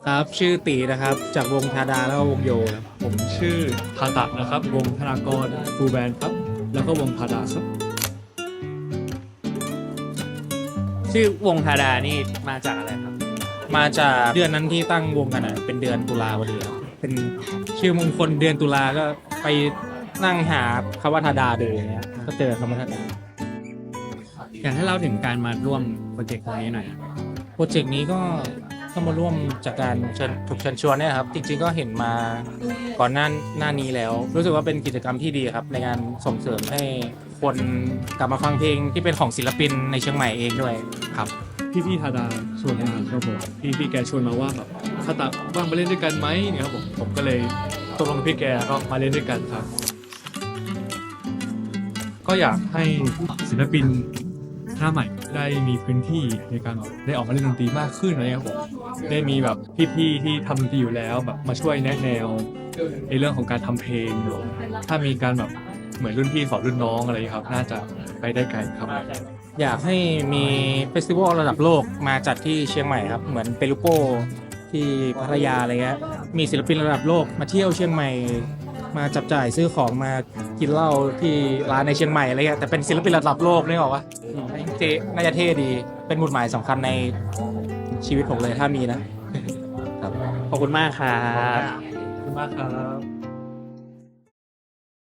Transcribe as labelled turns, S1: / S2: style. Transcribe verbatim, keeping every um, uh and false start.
S1: ครับชื่อตีนะครับจากวงธาดาแล้วก็วงโยครับ
S2: ผมชื่อทาตะนะครับ วงธนากรฟูลแบนด์ครับ แล้วก็วงพาดาครับ
S3: ชื่อวงธาดานี่มาจากอะไรครับ
S1: มาจากเดือนนั้นที่ตั้งวงกันอ่ะเป็นเดือนตุลาพอดีครับเป็นชื่อมงคลเดือนตุลาก็ไปนั่งหาคำว่าธาดาดูอย่างเงี้ยก็เจอคำว่าธาดา
S3: อยากให้เล่าถึงการมาร่วมโปรเจกต์นี้หน่อย
S1: โปรเจกต์นี้ก็ก็มาร่วมจากการเชิญถูกเชิญชวนเนี่ยครับจริงๆก็เห็นมาก่อนหน้าหน้านี้แล้ว รู้สึกว่าเป็นกิจกรรมที่ดีครับในการส่งเสริมให้คนกลับมาฟังเพลงที่เป็นของศิลปินในเชียงใหม่เองด้วยครับ
S2: พี่พี่ๆทาดาชวนมาครับผมพี่พี่ๆแกชวนมาว่าแบบทาตะว่างมาเล่นด้วยกันไหมเนี่ยครับผมผมก็เลยตกลงกับพี่แกก็มาเล่นด้วยกันครับ ก็อยากให้ศิลปินหน้าใหม่ได้มีพื้นที่ในการแบบได้ออกมาเล่นดนตรีมากขึ้นอะไรครับผมได้มีแบบพี่ๆที่ทำดนตรีอยู่แล้วแบบมาช่วยแนะแนวในเรื่องของการทำเพลง ถ้ามีการแบบเหมือนรุ่นพี่สอนรุ่นน้องอะไรครับ น่าจะไปได้ไกลครับ
S1: อยากให้มีเฟสติวัลระดับโลกมาจัดที่เชียงใหม่ครับเหมือนเปรูโปที่พัทยาอะไรเงี้ยมีศิลปินระดับโลกมาเที่ยวเชียงใหม่มาจับจ่ายซื้อของมากินเหล้าที่ร้านในเชียงใหม่อะไรเงี้ยแต่เป็นศิลปินระดับโลกนี่หรอวะอืมเจน่าจะเท่ดีเป็นหมุดหมายสำคัญในชีวิตผมเลยถ้ามีนะ
S3: ขอบคุณมากครับ
S2: ขอบคุณมากครับ